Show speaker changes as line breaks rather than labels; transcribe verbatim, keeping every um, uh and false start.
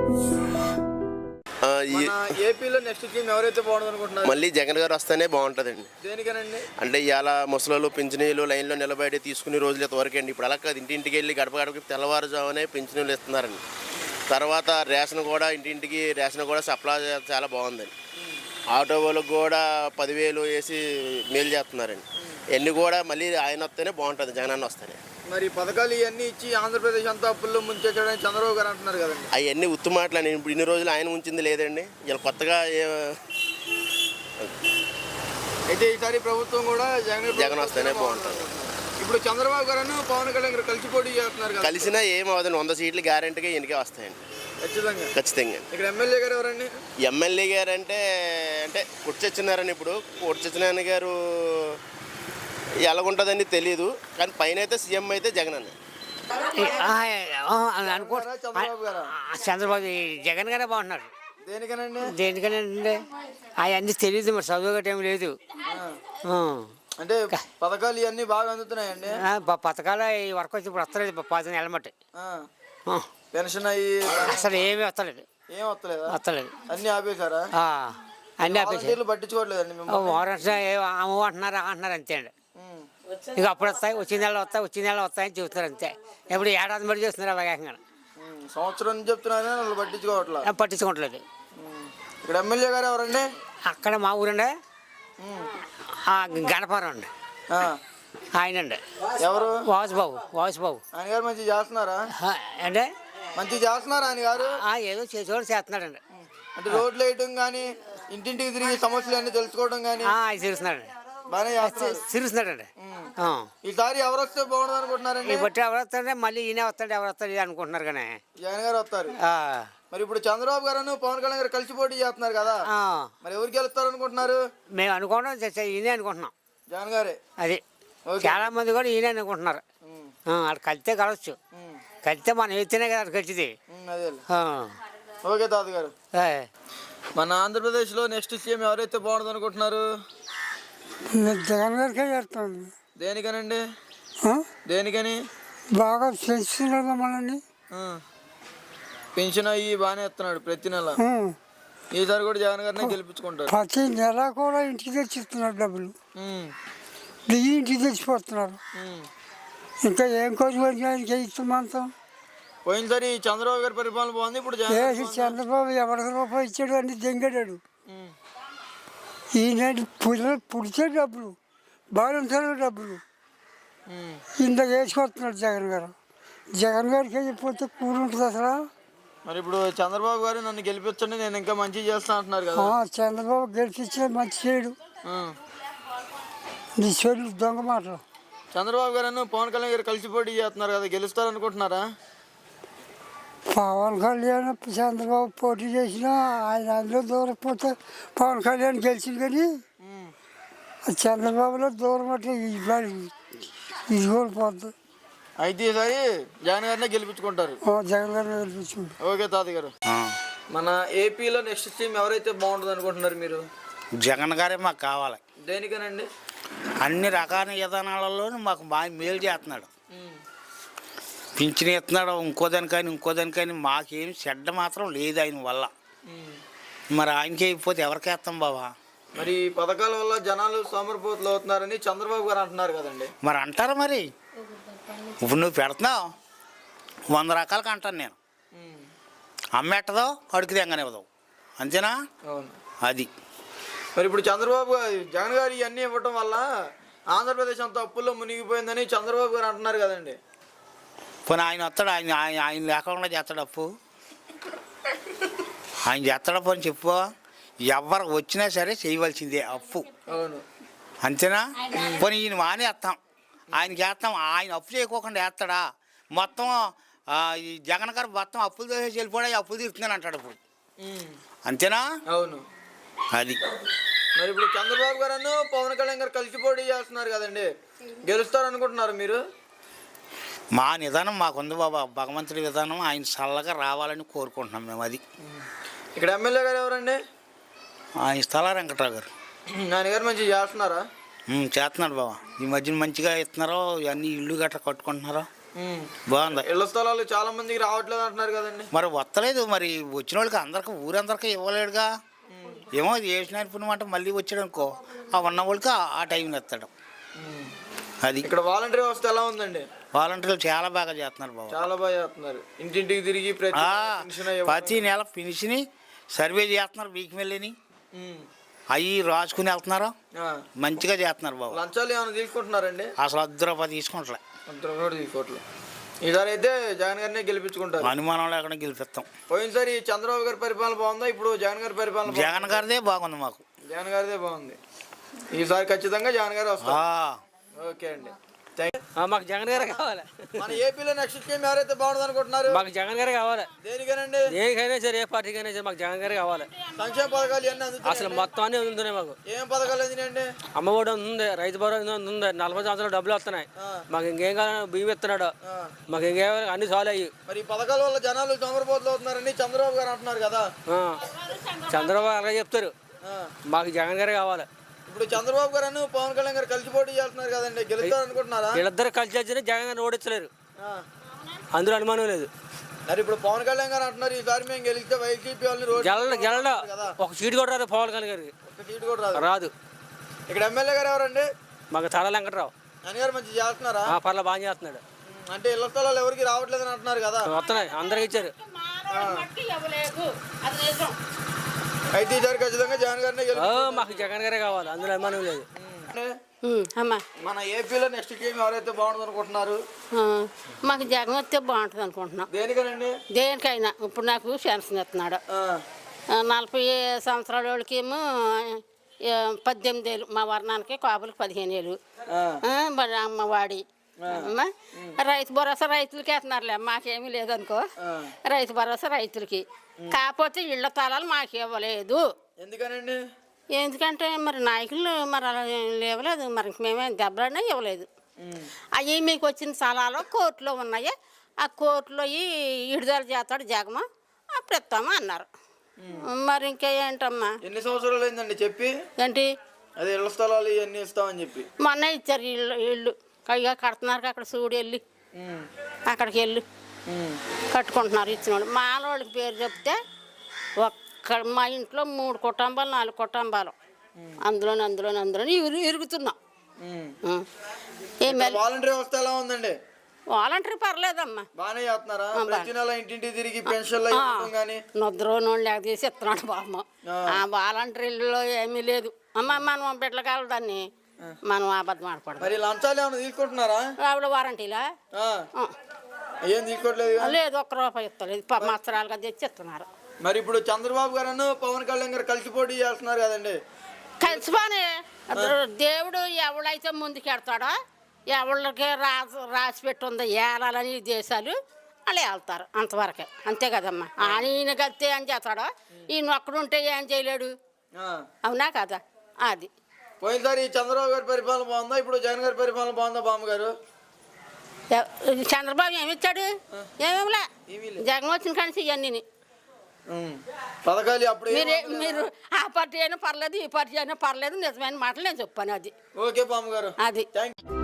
ఏపీలో next CM ఎవరైతే బాగుంటుంది అనుకుంటున్నారు?
మళ్ళీ జగన్ గారు వస్తేనే బాగుంటుందండి.
దేనికనండి?
అంటే ఇవాళ ముసలోళ్ళు పింఛనీలు లైన్లో నిలబడి తీసుకునే రోజులు ఇంతవరకు అండి. ఇప్పుడు అలా కాదు, ఇంటింటికి వెళ్ళి గడప గడపకి తెల్లవారుజామునే పింఛనీలు ఇస్తున్నారండి. తర్వాత రేషన్ కూడా ఇంటింటికి రేషన్ కూడా సప్లై చాలా బాగుందండి. ఆటో వాళ్ళకి కూడా పదివేలు వేసి మేలు చేస్తున్నారండి. ఇవన్నీ కూడా మళ్ళీ ఆయన వస్తేనే బాగుంటుంది, జగన్ అన్న వస్తేనే.
మరి పథకాలు ఇవన్నీ ఇచ్చి ఆంధ్రప్రదేశ్ అంతా అప్పుల్లో ముంచేయడానికి చంద్రబాబు గారు అంటున్నారు కదండి.
అవన్నీ ఉత్తు మాటలు. ఇప్పుడు ఇన్ని రోజులు ఆయన ఉంచింది లేదండి, ఇలా కొత్తగా
అయితే ఈసారి ప్రభుత్వం కూడా జగన్
జగన్ వస్తేనే బాగుంటుంది.
ఇప్పుడు చంద్రబాబు గారు పవన్ కళ్యాణ్ గారు కలిసి పోటీ చేస్తున్నారు కదా.
కలిసినా ఏం అవదండి, వంద సీట్లు గ్యారెంటీగా ఎన్నికే వస్తాయండి ఖచ్చితంగా ఖచ్చితంగా.
ఇక్కడ ఎమ్మెల్యే గారు ఎవరండి?
ఎమ్మెల్యే గారు అంటే అంటే కుర్చొచ్చినారని. ఇప్పుడు కుర్చొచ్చినారాయణ గారు ఎలాగుంటుందని తెలియదు, కానీ పైన అయితే సీఎం అయితే జగన్ అన్న
అనుకో. చంద్రబాబు జగన్ గారే బాగున్నారు.
దేనికనండి?
దేనికనండి అవన్నీ తెలియదు, మరి చదువు గట్ట ఏమి లేదు.
అంటే పథకాలు ఇవన్నీ బాగా అందుతున్నాయండి.
పథకాలు ఈ వరకు వచ్చి ఇప్పుడు వస్తలేదు, పది నెలల మట్టి
పెన్షన్ అయ్యి
అసలు ఏమీ వస్తలేదు.
ఏం వస్తలేదు
వస్తలేదు
అన్ని ఆపేశారా?
అన్ని ఆపేసారు,
పట్టించుకోవట్లేదండి.
అమ్మ అంటున్నారు అంటున్నారు అంతే అండి. ఇక అప్పుడు వస్తాయి, వచ్చిన నెలలో వస్తాయి, వచ్చిన నెలలో వస్తాయని చెబుతున్నారు అంతే. ఎప్పుడు ఏడాది మరి చేస్తున్నారు అలాగేకంగా.
సంవత్సరం నుంచి చెప్తున్నారు, వాళ్ళు పట్టించుకోవట్లేదు
పట్టించుకోవట్లేదు.
ఇక్కడ ఎమ్మెల్యే గారు ఎవరండి?
అక్కడ మా ఊరండి గణపురం అండి. ఆయన అండి
ఎవరు?
వాసుబాబు. వాసుబాబు
ఆయన గారు మంచిగా చేస్తున్నారా?
అంటే
మంచిగా చేస్తున్నారా ఆయన గారు?
ఏదో చేసేవాడు చేస్తున్నాడండి.
అంటే రోడ్లు వేయటం కానీ, ఇంటింటికి తిరిగి సమస్యలు అన్ని తెలుసుకోవడం కానీ
తెలుస్తున్నాడు,
బాగానే
తిరుగుతున్నాడండి.
ఈసారి ఎవరు వస్తే బాగుంటుంది అనుకుంటున్నారండి?
బట్టి ఎవరు వస్తాడే మళ్ళీ ఈయన వస్తాడు, ఎవరు వస్తాడు అనుకుంటున్నారు కానీ
జగన్ గారు వస్తారు. మరి ఇప్పుడు చంద్రబాబు గారు పవన్ కళ్యాణ్ గారు కలిసి పోటీ చేస్తున్నారు కదా, మరి ఎవరికి గెలుస్తారు అనుకుంటున్నారు?
మేము అనుకోవడం ఈయనే అనుకుంటున్నాం,
జగన్ గారే.
అది చాలా మంది కూడా ఈయనే అనుకుంటున్నారు. అక్కడ కలిస్తే కలవచ్చు, కలిస్తే మనం ఎత్తేనే కదా అక్కడ కలిసింది.
అదే ఓకే తాత గారు. మన ఆంధ్రప్రదేశ్లో నెక్స్ట్ సీఎం ఎవరైతే బాగుంటుంది అనుకుంటున్నారు?
జగన్ గారికే చేస్తాను.
దేనికనండి? దేనికని?
బాగా పెంచుతున్నాడు మనల్ని,
పెన్షన్ అయ్యి బాగానే ఇస్తున్నాడు ప్రతి నెల. ఈసారి కూడా జగన్ గారిని గెలిపించుకుంటారు.
ప్రతి నెల కూడా ఇంటికి తెచ్చిస్తున్నారు డబ్బులు, బియ్యం ఇంటికి తెచ్చిపోతున్నారు. ఇంకా ఏం కోరుకోవడానికి ఇస్తామంతా.
పోయినసారి చంద్రబాబు గారి పరిపాలన బాగుంది, ఇప్పుడు
చంద్రబాబు ఎవరికి రూపాయి ఇచ్చాడు అన్ని దెంగాడాడు. ఈయన పిల్లలు పుడితే డబ్బులు, బాగుంటారు డబ్బులు ఇంత వేసుకొస్తున్నాడు జగన్ గారు. జగన్ గారికి వెళ్ళిపోతే కూలి ఉంటుంది అసలు.
మరి ఇప్పుడు చంద్రబాబు గారు నన్ను గెలిపించండి, నేను ఇంకా మంచి చేస్తా అంటున్నారు కదా.
చంద్రబాబు గెలిపించే మంచి చేయడు, నీ చెల్లు దొంగ మాటలు.
చంద్రబాబు గారు పవన్ కళ్యాణ్ గారు కలిసి పోటీ చేస్తున్నారు కదా, గెలుస్తారు అనుకుంటున్నారా?
పవన్ కళ్యాణ్ చంద్రబాబు పోటీ చేసినా ఆయన అందులో దూరం పోతే పవన్ కళ్యాణ్ గెలిచింది, కానీ చంద్రబాబులో దూరం అంటే ఇది కోల్పోద్ది.
అయితే ఈసారి జగన్ గారినే గెలిపించుకుంటారు.
జగన్ గారిని గెలిపించుకుంటారు.
ఓకే తాతయ్య గారు. మన ఏపీలో నెక్స్ట్ సీఎం ఎవరైతే బాగుంటుంది అనుకుంటున్నారు మీరు?
జగన్ గారే మాకు కావాలి.
దేనికనండి?
అన్ని రకాల విధానాలలో మాకు బాగా మేలు చేస్తున్నాడు, పింఛన్ ఇస్తున్నాడు, ఇంకో దానికని ఇంకో దానికని మాకేం చెడ్డ మాత్రం లేదు ఆయన వల్ల. మరి ఆయనకి అయిపోతే ఎవరికి వేస్తాం బాబా?
మరి పథకాల వల్ల జనాలు సోమరిపోతులు అవుతున్నారని చంద్రబాబు గారు అంటున్నారు కదండి.
మరి అంటారు, మరి ఇప్పుడు నువ్వు పెడుతున్నావు వంద రకాలకి అంటాను నేను, అమ్మెట్టదో అడుగు తెంగనివ్వదు, అంతేనా? అది
మరి ఇప్పుడు చంద్రబాబు జగన్ గారు ఇవన్నీ ఇవ్వటం వల్ల ఆంధ్రప్రదేశ్ అంతా అప్పుల్లో మునిగిపోయిందని చంద్రబాబు గారు అంటున్నారు కదండి.
పోనీ ఆయన వస్తాడు, ఆయన ఆయన ఆయన లేకుండా చేస్తాడు అప్పు, ఆయన చేస్తాడు పోనీ చెప్పు. ఎవరు వచ్చినా సరే చేయవలసిందే అప్పు, అంతేనా? పోనీ ఈయన మానేస్తాం, ఆయనకి వేస్తాం, ఆయన అప్పు చేయకోకుండా వేస్తాడా? మొత్తం ఈ జగన్ గారు మొత్తం అప్పులు చేసి వెళ్ళిపోయి అప్పులు తీరుతున్నాను అంటాడు ఇప్పుడు, అంతేనా?
అవును.
అది
మరి ఇప్పుడు చంద్రబాబు గారు పవన్ కళ్యాణ్ గారు కలిసి పోటీ చేస్తున్నారు కదండి, గెలుస్తారు అనుకుంటున్నారు మీరు?
మా నిదానం మాకుంది బాబా, భగవంతుడి విధానం ఆయన చల్లగా రావాలని కోరుకుంటున్నాం మేము. అది
ఇక్కడ ఎమ్మెల్యే గారు ఎవరండి?
ఆయన స్థల వెంకట్రావు గారు.
ఆయన గారు మంచిగా చేస్తున్నారా?
చేస్తున్నాడు బాబా, ఈ మధ్యన మంచిగా ఇస్తున్నారో, ఇవన్నీ ఇల్లు గట్రా కట్టుకుంటున్నారో.
ఉమ్.
బాగుంది.
ఇళ్ల స్థలాలు చాలా మందికి రావట్లేదు అంటున్నారు కదండి.
మరి వస్తలేదు, మరి వచ్చిన వాళ్ళకి అందరికి ఊరందరికీ ఇవ్వలేడుగా. ఏమో ఇది వేసిన పుణ్యం అంటే మళ్ళీ వచ్చాడు అనుకో, ఆ ఉన్న వాళ్ళకి ఆ- ఆ టైంలో ఎత్తాడు. అది
ఇక్కడ వాలంటీర్ వ్యవస్థ ఎలా ఉందండి?
వాలంటీర్లు చాలా బాగా చేస్తున్నారు బాబు.
చాలా బాగా చేస్తున్నారు. ఇంటింటికి తిరిగి ప్రతి
ఆ,
పెన్షన్ ఇవ్వడం.
ప్రతి నెల పెన్షన్ సర్వే చేస్తున్నారు, వీక్ వెళ్ళని
ఉమ్.
అవి రాసుకుని వెళ్తున్నారు,
ఆ.
మంచిగా చేస్తున్నారు బాబు.
లంచాలు ఏమైనా తీసుకుంటున్నారండి?
అసలు అర్ధ రూపాయలు తీసుకుంటలే.
అంతరం కూడా తీసుకోవట్లేదు. ఈసారి అయితే జగన్ గారినే గెలిపించుకుంటారు.
అనుమానం లేకుండా గెలిపిస్తాం.
పోయినసారి చంద్రబాబు గారి పరిపాలన బాగుందా, ఇప్పుడు జగన్ గారి పరిపాలన బాగుందా?
జగన్ గారిదే బాగుంది మాకు.
జగన్ గారిదే బాగుంది. ఈసారి ఖచ్చితంగా జగన్ గారు వస్తారు.
ఆ,
ఓకే అండి, థ్యాంక్ యూ.
ఆ, మాకు జగన్ గారే కావాలి.
మన ఏపీలో నెక్స్ట్ స్కీమ్ ఎవరైతే బాగుంటుంది అనుకుంటున్నారు?
మాకు జగన్ గారే కావాలి.
దేనికేనండి?
దేనికైనా సరే, ఏ పార్టీకైనా సరే మాకు జగన్ గారే కావాలి.
సంక్షేమ పథకాలు ఇవన్నీ
అసలు
అందుతున్నాయండి?
మొత్తం అన్నీ అందుతున్నాయి మాకు.
ఏం పథకాలు అందినాయండి?
అమ్మఒడి ఉంది, రైతు భరోసా ఉంది, నలభై సంవత్సరాలు డబ్బులు వస్తున్నాయి.
ఆ.
మాకు ఇంకేం కావాలి, బియ్యం ఇస్తున్నాడు.
ఆ.
మాకు ఇంకేం అన్ని సాల్వ్ అయ్యి.
మరి ఈ పథకాల వల్ల జనాలు తొందరపోతులు అవుతున్నారని చంద్రబాబు గారు అంటున్నారు కదా.
ఆ. చంద్రబాబు అలాగే చెప్తారు.
ఆ.
మాకు జగన్ గారే కావాలి.
ఇప్పుడు చంద్రబాబు గారు పవన్ కళ్యాణ్ గారు కలిసి పోటీ చేస్తున్నారు కదండి, గెలుస్తారు అనుకుంటున్నారా?
వీళ్ళిద్దరు కలిసి వచ్చినా జగన్ గారిని ఓడించలేరు,
ఆ.
అందులో అనుమానం లేదు.
మరి ఇప్పుడు పవన్ కళ్యాణ్ గారు అంటున్నారు ఈసారి మేము గెలిస్తే వైసీపీ వాళ్ళని రోడ్డు
గెలడ గెలడ
కదా.
ఒక సీటు కూడా రాదు పవన్ కళ్యాణ్ గారికి.
ఒక్క సీటు కూడా రాదు.
రాదు.
ఇక్కడ ఎమ్మెల్యే గారు ఎవరండి?
మాకు తల వెంకట్రావు.
ఆయన గారు మంచి చేస్తున్నారా?
ఆ, పర్ల బాగా చేస్తున్నాడు.
అంటే ఇళ్ల స్థలాలు ఎవరికి రావట్లేదని అంటున్నారు కదా.
వస్తున్నాయి, అందరికి ఇచ్చారు.
అయితే ఈసారి ఖచ్చితంగా జగన్ గారినే
ఆ,
గెలుస్తారు.
మాకు జగన్ గారే కావాలి, అందులో అనుమానం లేదు.
అమ్మా
మన ఏపీలో నెక్స్ట్ గేమ్ ఎవరైతే బాగుంటుంది అనుకుంటున్నారు?
ఆ, మాకు జగన్ వస్తే బాగుంటుంది అనుకుంటున్నాం.
దేనికనండి?
దేనికైనా ఇప్పుడు నాకు పెన్షన్ ఇస్తున్నాడు.
ఆ.
ఆ, నలభై సంవత్సరాల వాళ్ళకేమో ఆ, పద్దెనిమిది ఏళ్ళు, మా వర్ణానికి కాపులకు పదిహేను ఏళ్ళు.
ఆ.
ఆ, మరి అమ్మవాడి అమ్మా రైతు భరోసా రైతులకి వేస్తున్నారులే, మాకేమీ లేదనుకో. రైతు భరోసా రైతులకి, కాకపోతే ఇళ్ల తాళాలు మాకు ఇవ్వలేదు.
ఎందుకనండి?
ఎందుకంటే మరి నాయకులు మరి అలా ఇవ్వలేదు, మరి మేమే దెబ్బలన్నా ఇవ్వలేదు. అవి మీకు వచ్చిన స్థలాలు కోర్టులో ఉన్నాయి, ఆ కోర్టులో విడుదల చేస్తాడు జగన్, అప్పుడు ఇస్తామా అన్నారు. మరి ఇంకా ఏంటమ్మా?
ఎన్ని సంవత్సరాలు అయిందండి చెప్పి?
ఏంటి
అదే ఇళ్ల స్థలాలు ఇవన్నీ ఇస్తామని చెప్పి
మొన్న ఇచ్చారు ఇల్లు ఇల్లు ఇక కడుతున్నారు, అక్కడ చూడు వెళ్ళి
ఉమ్.
అక్కడికి వెళ్ళి
ఉమ్.
కట్టుకుంటున్నారు ఇచ్చిన వాళ్ళు. మాలోళ్ళకి పేరు చెప్తే ఒక్క మా ఇంట్లో మూడు కుటుంబాలు నాలుగు కుటుంబాలు అందులోని అందులోని అందులోని ఇరు ఇరుగుతున్నాం.
ఉమ్.
ఏం
వాలంటీర్ వ్యవస్థ ఎలా ఉందండి?
వాలంటీర్ పర్లేదమ్మా,
బాగానే చేస్తున్నారా? ప్రతి నెల ఇంటింటికి తిరిగి పెన్షన్లు ఇవ్వడం కానీ
నిద్రోనోళ్ళు లేక తీసి ఇస్తున్నాడు బామ్మ. ఆ వాలంటీర్లో ఏమీ లేదు అమ్మ. మనం బిడ్డలకాల దాన్ని మనం అబద్ధం ఆడకూడదు.
మరి లంచాలు ఏమైనా తీసుకుంటున్నారా?
ఆవిడ వారంటీలా
ఆ. ఏం తీసుకోవట్లేదు కదా?
లేదు, ఒక్క రూపాయి ఇస్తలేదు, సంవత్సరాలుగా తెచ్చి ఇస్తున్నారు.
మరి ఇప్పుడు చంద్రబాబు గారు పవన్ కళ్యాణ్ గారు కలిసి పోటీ చేస్తున్నారు కదండి.
కలిసిపోని దేవుడు ఎవడైతే ముందుకెడతాడో, ఎవళ్ళకి రాసి రాసి పెట్టుందో ఏలాలని ఈ దేశాలు వాళ్ళు వెళ్తారు, అంతవరకే. అంతే కదమ్మా. ఆయన కలిస్తే ఏం చేస్తాడో, ఈయన ఒక్కడుంటే ఏం చేయలేడు.
ఆ.
అవునా కదా? అది
పోయినసారి చంద్రబాబు గారి పరిపాలన బాగుందా, ఇప్పుడు జగన్ గారి పరిపాలన బాగుందా బామ్మ గారు?
ఎ- చంద్రబాబు ఏమిచ్చాడు? ఏమేమిలే. జగన్ వచ్చిన కానీ ఇవన్నీ
ఉమ్. పథకాలు అప్పుడు
మీరు
ఏం
మీరు ఆ పార్టీ అయినా పర్లేదు, ఈ పార్టీ అయినా పర్లేదు, నిజమైన మాటలు నేను చెప్పాను. అది
ఓకే బామ్మ గారు,
అది
థ్యాంక్ యూ.